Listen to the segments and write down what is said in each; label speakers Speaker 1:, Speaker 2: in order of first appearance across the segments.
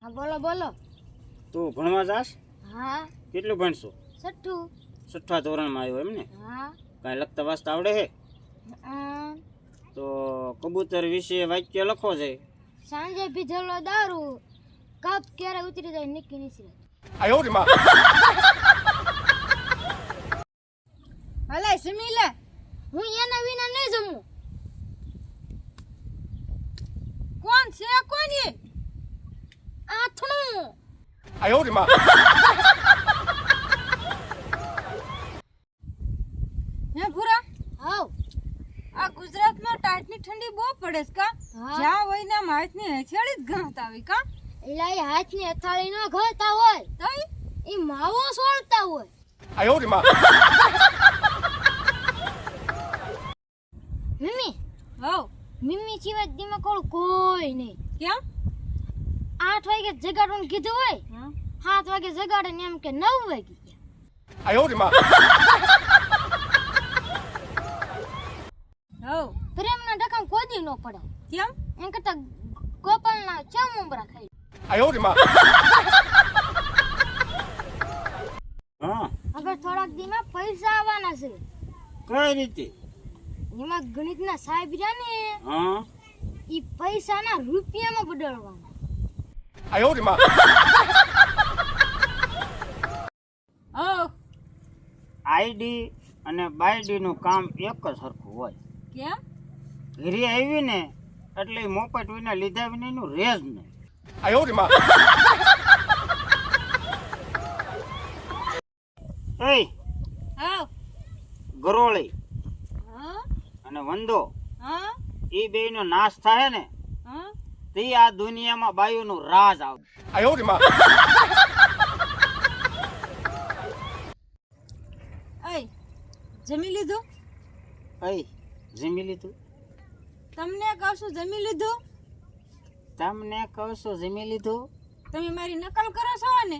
Speaker 1: હા બોલો બોલો.
Speaker 2: તું ભણવા જાસ?
Speaker 1: હા.
Speaker 2: કેટલું ભણશો?
Speaker 1: છઠ્ઠું.
Speaker 2: છઠ્ઠા ધોરણમાં આવ્યો એમ ને?
Speaker 1: હા.
Speaker 2: કાંઈ લખતા વાંચતા આવડે હે? તો કબૂતર વિશે વાક્ય લખો છે.
Speaker 1: સાંજે પીધેલો દારૂ કપ ક્યારે ઉતરી જાય નિકી નીસરે.
Speaker 2: આયો રે માં.
Speaker 1: હલે સમીલે હું એના વિના નહીં જમું. કોણ છે કોણ એ? આથણું.
Speaker 2: આયો રે માં.
Speaker 1: હે ભૂરા હાવ આ ગુજરાતમાં ટાટની ઠંડી બહુ પડે છે કા? જ્યાં હોય ને હાથની હથેળી જ ઘાત આવી કા? એલા એ હાથની હથેળી નો ઘાતા હોય તઈ ઈ માવો સોળતા હોય.
Speaker 2: આયો રે માં.
Speaker 1: મમ્મી હાવ મમ્મી સિવાય દીમાં કોણ કોઈ નહીં. કેમ? 8 વાગે જગાડવાનું કીધું હોય 7 વાગે જગાડે ને એમ કે 9 વાગે.
Speaker 2: આયો રે માં.
Speaker 1: હો પ્રેમના ડકામ કોદી નો પડે. કેમ? એમ કરતા ગોપાલના ચમુંબરા ખાઈ.
Speaker 2: આયો રે માં. હા
Speaker 1: હવે થોડાક દીમાં પૈસા આવવાના છે.
Speaker 2: કઈ રીતે?
Speaker 1: એમાં ગણિતના સાહેબ રહ્યા ને
Speaker 2: હા
Speaker 1: ઈ પૈસાના રૂપિયામાં બદલવાના.
Speaker 2: આયો રે માં. આઈડી અને બાયડી નું કામ એક જ સરખું હોય.
Speaker 1: કેમ?
Speaker 2: ઘરે આવી ને એટલે મોપટ વિના લીધા વિના એનું રેજ નહીં. આયો રે માં. એય
Speaker 1: હાવ
Speaker 2: ગરોળી
Speaker 1: હા
Speaker 2: અને વંદો
Speaker 1: હા
Speaker 2: એ બેયનો નાશ થાય ને
Speaker 1: હા
Speaker 2: તે આ દુનિયામાં બાયુનું રાજ આવે. આયો રે માં.
Speaker 1: એય જમી લીધું?
Speaker 2: એય જમી લીધું?
Speaker 1: તમને કહું છું જમી લીધું?
Speaker 2: તમને કહું છું જમી લીધું?
Speaker 1: તમે મારી નકલ કરો છો ને?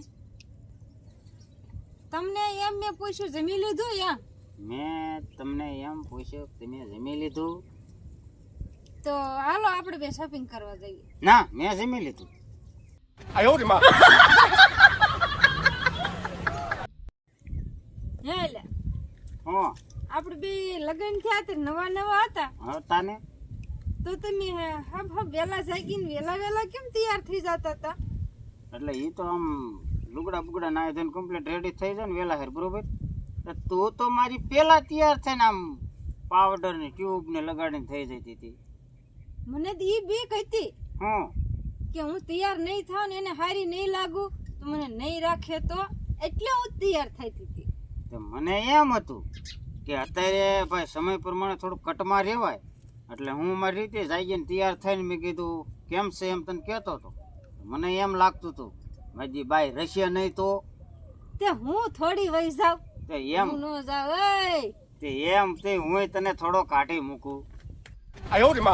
Speaker 1: તમને એમ મેં પૂછ્યું જમી લીધું એમ?
Speaker 2: મેં તમને એમ પૂછ્યું તમે જમી લીધું?
Speaker 1: તો હાલો આપણે બે શોપિંગ કરવા જઈએ.
Speaker 2: ના મેં જમી લીધું. આયો રે માં.
Speaker 1: હે લે
Speaker 2: હો
Speaker 1: આપણે બે લગન થયા તે નવા નવા હતા
Speaker 2: હતા ને
Speaker 1: તો તમે હબ વેલા જાગીને વેલા કેમ તૈયાર થઈ જતા હતા?
Speaker 2: એટલે એ તો આમ લુગડા બુગડા નાય ધોઈને કમ્પ્લીટ રેડી થઈ જાય ને વેલા હેર બરોબર. તું તો મારી પેલા તૈયાર થઈને આમ પાવડર ને ટ્યુબ ને લગાડીને થઈ જતી હતી.
Speaker 1: મને તો ઈ બીક હતી
Speaker 2: હું
Speaker 1: કે હું તૈયાર નહીં થાવ ને એને હારી નહીં લાગુ તો મને નહીં રાખે તો એટલે હું તૈયાર થતી હતી.
Speaker 2: તો મને એમ હતું કે અત્યારે ભાઈ સમય પ્રમાણે થોડું કટમાં રહેવાય એટલે હું મારી રીતે જાગીને તૈયાર થઈને મેં કીધું કેમ છે એમ તને કહેતો હતો. મને એમ લાગતું હતું મારી બાઈ રશિયા નહીં તો
Speaker 1: તે હું થોડી વહી જાવ
Speaker 2: તે એમ
Speaker 1: હું નો જાવ એ
Speaker 2: તે એમ તે હું તને થોડો કાઢી મૂકું. આયો રે માં.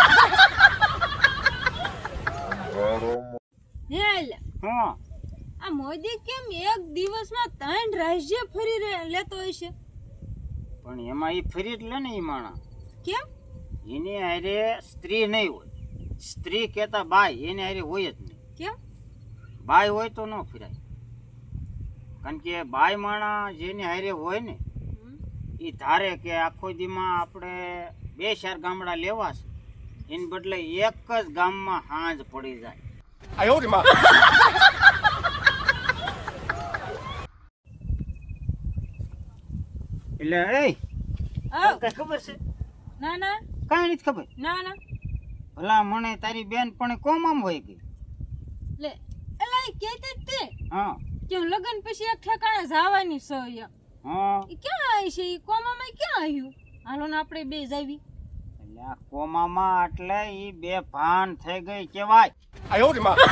Speaker 1: હેલ
Speaker 2: હા
Speaker 1: આ મોદી કેમ એક દિવસમાં 3 રાજ્ય ફરી લેતો હશે?
Speaker 2: પણ એમાં એ ફરી જ લે ને એ માણા.
Speaker 1: કેમ?
Speaker 2: એની હારે સ્ત્રી નહીં હોય. સ્ત્રી કહેતા બાઈ એની હારે હોય જ નહીં.
Speaker 1: કેમ?
Speaker 2: બાઈ હોય તો ન ફિરાય. કારણ કે બાઈ માણા જેની હારે હોય ને એ ધારે કે આખો દીમાં આપણે 2-4 ગામડા લેવા છે એને બદલે એક જ ગામમાં હાંજ પડી જાય. આયો રે માં. એટલે એ કઈ ખબર છે?
Speaker 1: ના ના
Speaker 2: કાંઈ નથી ખબર.
Speaker 1: ના ના
Speaker 2: ભલા મને તારી બેન પણ કોમામ હોય ગઈ.
Speaker 1: લે એલા ઈ કહેતી જ તે
Speaker 2: હા
Speaker 1: કે હું લગન પછી એક ઠેકાણે જવાની છો એમ.
Speaker 2: હા
Speaker 1: ઈ ક્યાં આવી છે? ઈ કોમામાં ક્યાં આવ્યું? હાલો ને આપણે બે જાવી.
Speaker 2: એટલે આ કોમામાં એટલે ઈ બે ભાન થઈ ગઈ કેવાય. આયો રે માં.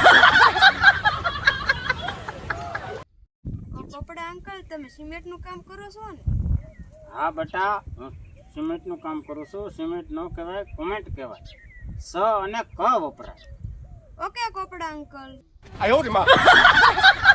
Speaker 1: કપડા અંકલ તમે સિમેન્ટ નું કામ કરો છો ને?
Speaker 2: હા બેટા હું સિમેન્ટ નું કામ કરું છું. સિમેન્ટ નો કહેવાય કોમેન્ટ કહેવાય. સ અને ક વપરાય.
Speaker 1: ઓકે કપડા અંકલ.
Speaker 2: આયો રે માં.